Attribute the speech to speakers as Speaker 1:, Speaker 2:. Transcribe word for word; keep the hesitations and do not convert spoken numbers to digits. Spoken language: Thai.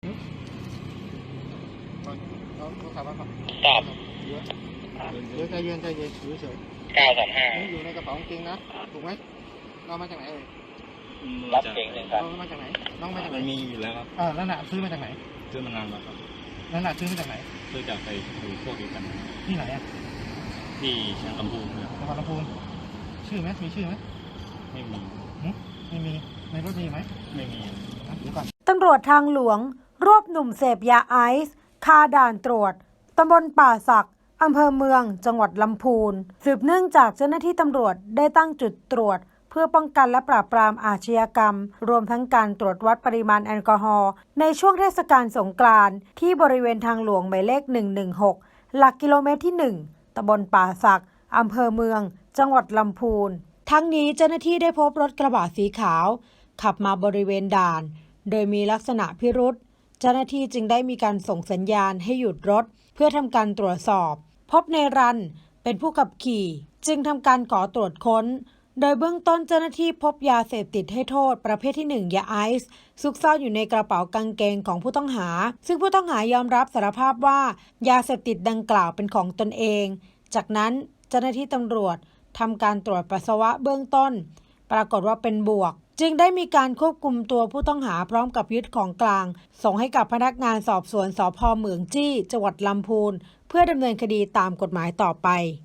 Speaker 1: เราโทรศัพท์มาครับ
Speaker 2: ตอบ
Speaker 1: เดี๋ยวเดี๋ยวใจเย็นใจเย็นอยู่เฉย
Speaker 2: เก้าสองห้า
Speaker 1: นี่อยู่ในกระเป๋ากางเกงนะถูกไหมเรามาจากไหนเอ่ย
Speaker 2: รับเก่งเลยครับ
Speaker 1: เรามาจากไหนน้องมาจากไหน
Speaker 3: มันมีอยู่แล้วครับ
Speaker 1: เออนั่นน่ะซื้อมาจากไหน
Speaker 3: ซื้อมานานแล้วครับ
Speaker 1: นั่นน่ะซื้อมาจากไหน
Speaker 3: ซื้อจากไปดูพวกเดียวกัน
Speaker 1: ที่ไหนอ่ะ
Speaker 3: ที่ลำพูนครับ
Speaker 1: จังหวัดลำพูนชื่อไหมมีชื่อไหม
Speaker 3: ไม่มี
Speaker 1: หึไม่มีในรถมีไหม
Speaker 3: ไม่มี
Speaker 1: เดี๋ยวก่อน
Speaker 4: ตำรวจทางหลวงรวบหนุ่มเสพยาไอซ์คาด่านตรวจตำบลป่าสักอำเภอเมืองจังหวัดลำพูนสืบเนื่องจากเจ้าหน้าที่ตำรวจได้ตั้งจุดตรวจเพื่อป้องกันและปราบปรามอาชญากรรมรวมทั้งการตรวจวัดปริมาณแอลกอฮอล์ในช่วงเทศกาลสงกรานต์ที่บริเวณทางหลวงหมายเลขหนึ่งหนึ่งหกหลักกิโลเมตรที่หนึ่งตำบลป่าสักอำเภอเมืองจังหวัดลำพูนทั้งนี้เจ้าหน้าที่ได้พบรถกระบะสีขาวขับมาบริเวณด่านโดยมีลักษณะพิรุษเจ้าหน้าที่จึงได้มีการส่งสัญญาณให้หยุดรถเพื่อทำการตรวจสอบพบในรันเป็นผู้ขับขี่จึงทำการขอตรวจค้นโดยเบื้องต้นเจ้าหน้าที่พบยาเสพติดให้โทษประเภทที่หนึ่งยาไอซ์ซุกซ่อนอยู่ในกระเป๋ากางเกงของผู้ต้องหาซึ่งผู้ต้องหายอมรับสารภาพว่ายาเสพติดดังกล่าวเป็นของตนเองจากนั้นเจ้าหน้าที่ตำรวจทำการตรวจปัสสาวะเบื้องต้นปรากฏว่าเป็นบวกจึงได้มีการควบคุมตัวผู้ต้องหาพร้อมกับยึดของกลางส่งให้กับพนักงานสอบสวนสภ.เหมืองจี้จังหวัดลำพูนเพื่อดำเนินคดีตามกฎหมายต่อไป